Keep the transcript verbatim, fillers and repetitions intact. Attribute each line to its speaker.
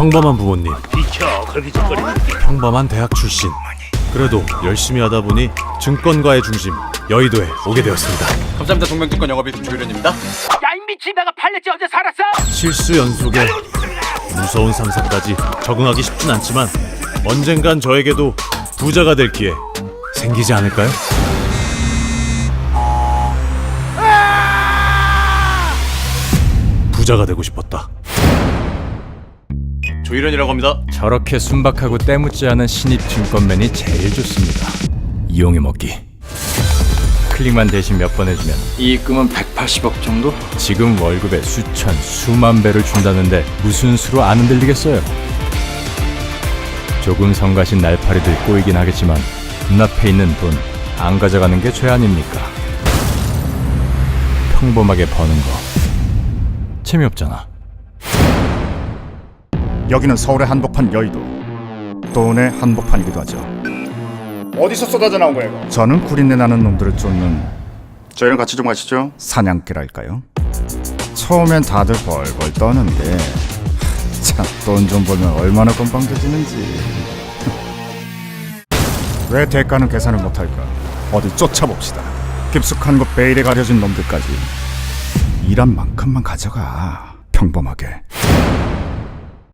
Speaker 1: 평범한 부모님,
Speaker 2: 비켜 걸기적거리는 게.
Speaker 1: 평범한 대학 출신. 그래도 열심히 하다 보니 증권가의 중심 여의도에 오게 되었습니다.
Speaker 3: 감사합니다. 동명증권 영업이 조유련입니다.
Speaker 2: 야 이 미친 내가 팔렸지 어제 살았어?
Speaker 1: 실수 연속에 무서운 상사까지 적응하기 쉽진 않지만 언젠간 저에게도 부자가 될 기회 생기지 않을까요? 부자가 되고 싶었다.
Speaker 3: 조유련이라고 합니다.
Speaker 4: 저렇게 순박하고 때묻지 않은 신입 증권맨이 제일 좋습니다. 이용해 먹기. 클릭만 대신 몇 번 해주면 이익금은 백팔십억 정도? 지금 월급의 수천, 수만 배를 준다는데 무슨 수로 안 흔들리겠어요? 조금 성가신 날파리들 꼬이긴 하겠지만 눈앞에 있는 돈 안 가져가는 게 죄 아닙니까? 평범하게 버는 거 재미없잖아.
Speaker 5: 여기는 서울의 한복판 여의도, 돈의 한복판이기도 하죠. 어디서 쏟아져 나온 거예요 이거? 저는 구린내 나는 놈들을 쫓는, 저희랑 같이 좀 가시죠. 사냥개랄까요? 처음엔 다들 벌벌 떠는데 참 돈 좀 벌면 얼마나 건방져지는지. 왜 대가는 계산을 못할까? 어디 쫓아봅시다. 깊숙한 곳 베일에 가려진 놈들까지 일한 만큼만 가져가. 평범하게.